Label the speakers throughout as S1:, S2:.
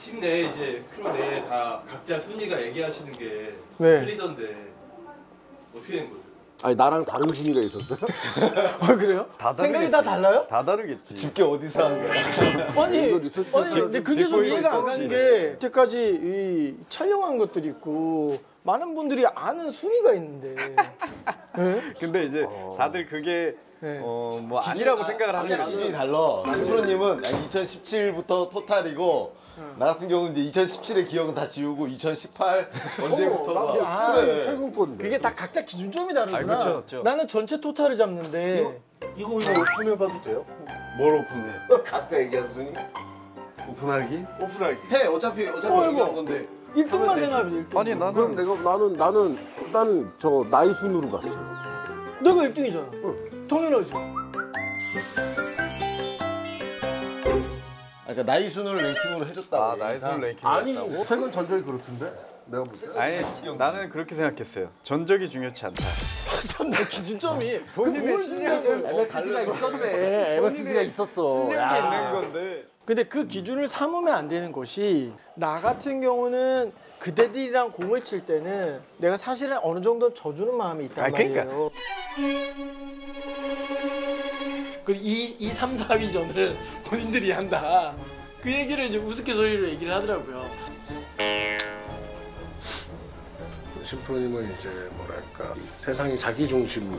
S1: 팀 내에 이제 크루 내에 다 각자 순위가 얘기하시는 게
S2: 네.
S1: 틀리던데 어떻게 된 거죠?
S3: 아니 나랑 다른 순위가 있었어요?
S2: 아 그래요? 생각이 다 달라요?
S4: 다 다르겠지.
S5: 집게 어디서 한 거야?
S2: 아니,
S3: 이거 리서치
S2: 아니 근데 그게 좀 이해가 안 가는 게 여태까지 이 촬영한 것들이 있고 많은 분들이 아는 순위가 있는데 네?
S4: 근데 이제 다들 그게
S2: 네.
S4: 뭐 아니라고 생각을 하는
S5: 진짜 기준이 달라. 신프로님은 2017부터 토탈이고 나 같은 경우는 이제 2017의 기억은 다 지우고 2018 언제부터가
S2: 아,
S5: 그래.
S3: 최근권인데.
S2: 그게 다 각자 기준점이 다르구나.
S4: 그렇죠, 그렇죠.
S2: 나는 전체 토탈을 잡는데
S3: 이거 오픈해봐도 돼요?
S5: 뭘 오픈해?
S3: 각자 얘기하는 순위?
S5: 오픈하기?
S3: 오픈하기.
S5: 해 어차피 중요한 건데.
S2: 1등만 생각해 1등.
S4: 아니 나는
S3: 그럼 나는 저 나이 순으로 갔어요.
S2: 내가 1등이잖아. 당연하지.
S5: 그러니까 나이 순으로 랭킹으로 해줬다고.
S4: 아 나이스 랭킹
S3: 아니
S4: 했다고?
S3: 최근 전적이 그렇던데? 내가 볼 때.
S4: 아니 나는 그렇게 생각했어요. 전적이 중요치 않다.
S2: 참내 기준점이
S4: 본인의 실력은
S3: MSG가 있었네. MSG가 있었어.
S4: 실력이
S3: 야.
S4: 있는 건데.
S2: 근데 그 기준을 삼으면 안 되는 것이 나 같은 경우는 그대들이랑 공을 칠 때는 내가 사실은 어느 정도 져주는 마음이 있단
S4: 그러니까.
S2: 말이에요. 그 2, 3, 4위전을 본인들이 한다. 그 얘기를 이제 우스갯소리로 얘기를 하더라고요.
S3: 심프로님은 이제 뭐랄까 세상이 자기 중심,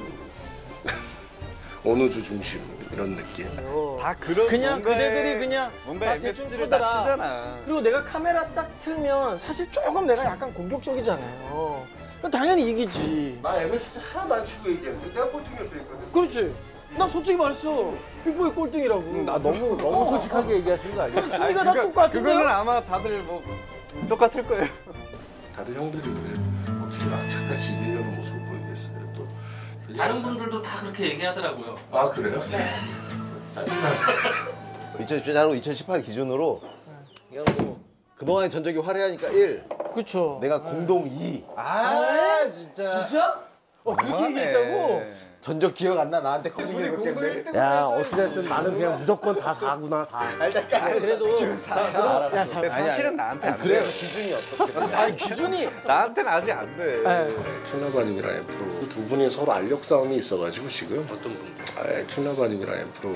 S3: 어느 주 중심 이런 느낌.
S4: 다 그런
S2: 그냥
S4: 뭔가의-
S2: 그대들이 그냥
S4: 뭔가
S2: 다 대충
S4: MSG를 다
S2: 쳐더라.
S4: 치잖아.
S2: 그리고 내가 카메라 딱 틀면 사실 조금 내가 약간 공격적이잖아요. 그럼 당연히 이기지.
S3: 나 MSG 하나도 안 치고 얘기했는데 내가 꼴등이었다니까.
S2: 그렇지. 나 솔직히 말했어. 빅보이 꼴등이라고.
S3: 나 너무 솔직하게 얘기하시는 거 아니야?
S2: 순위가 다 똑같은데요?
S4: 그거는 아마 다들 뭐 똑같을 거예요.
S3: 다들 형들이 왜 어떻게 낙차까지 이기려는 모습을 보이겠어요? 또
S1: 다른 분들도 다 그렇게 얘기하더라고요.
S3: 아 그래요? 짜증나.
S5: 2017하고 2018 기준으로 그냥 뭐 그동안의 전적이 화려하니까 1,
S2: 그렇죠.
S5: 내가 공동 2.
S4: 아 진짜.
S2: 진짜? 그렇게 얘기했다고?
S5: 전적 기억 안 나? 나한테 커진 게 몇 개인데?
S3: 야 어찌됐든 나는 그냥 무조건 다 4구나 4.
S2: 그래도
S5: 알았어.
S2: 야,
S4: 사실은 나한테 안 돼.
S5: 그래서 기준이 어떻게?
S2: 아니 기준이
S4: 나한테는 아직 안 돼.
S3: 킬라바님이랑 엠프로 두 분이 서로 알력 싸움이 있어가지고 지금 어떤 분들? 킬라바님이랑 엠프로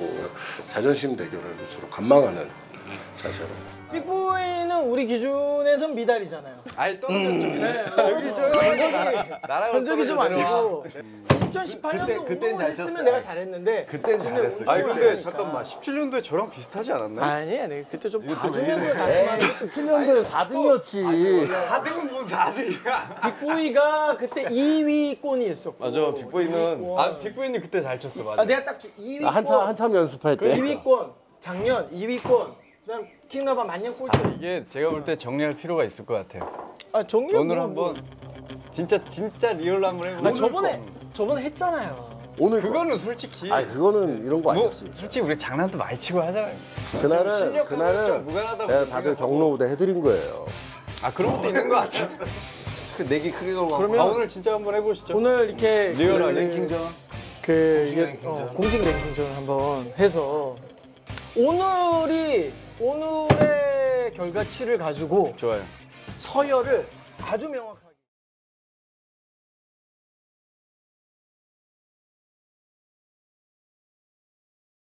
S3: 자존심 대결을 서로 관망하는 자세로.
S2: 빅보이는 우리 기준에선 미달이잖아요.
S4: 아니 떨어졌죠.
S2: 네.
S4: 여기 저
S2: 전적이 좀 아니고 2018년도
S5: 그땐 잘 쳤어.
S2: 내가 잘했는데
S5: 그땐 잘했어.
S4: 아니 근데
S2: 그러니까.
S4: 잠깐만 17년도에 저랑 비슷하지 않았나?
S2: 아니야 내가 그때 좀
S5: 이것도 왜
S2: 봐주면서
S5: 이래?
S2: 다시
S3: 17년도에 4등이었지.
S4: 4등은 뭔 4등이야?
S2: 빅보이가 그때 2위권이 있었고
S5: 맞아, 빅보이는
S4: 아 빅보이님 그때 잘 쳤어 맞아.
S2: 내가 딱 2위권
S3: 한참 연습할 때.
S2: 2위권 작년 2위권 그다음 킹나바 만년 꼴등
S4: 이게 제가 볼 때 정리할 필요가 있을 것 같아요.
S2: 정리
S4: 오늘 한번 진짜 리얼로 한번 해보자.
S2: 저번에 했잖아요.
S3: 오늘
S4: 그거는 솔직히
S3: 아니 그거는 이런 거
S4: 뭐
S3: 아니었어.
S4: 솔직히 우리 장난도 많이 치고 하잖아요.
S3: 그날은
S4: 좀 무관하다
S3: 제가
S4: 보니까
S3: 다들 경로 무대 해드린 거예요.
S4: 아 그런 것도 있는 것 같아.
S5: 그 내기 크게 걸고
S2: 그러면
S4: 아 오늘 진짜 한번 해보시죠.
S2: 오늘 이렇게
S4: 리얼하게
S5: 랭킹전.
S2: 공식
S5: 랭킹전.
S2: 공식 랭킹전 한번 해서 오늘의 결과치를 가지고
S4: 좋아요.
S2: 서열을 아주 명확하게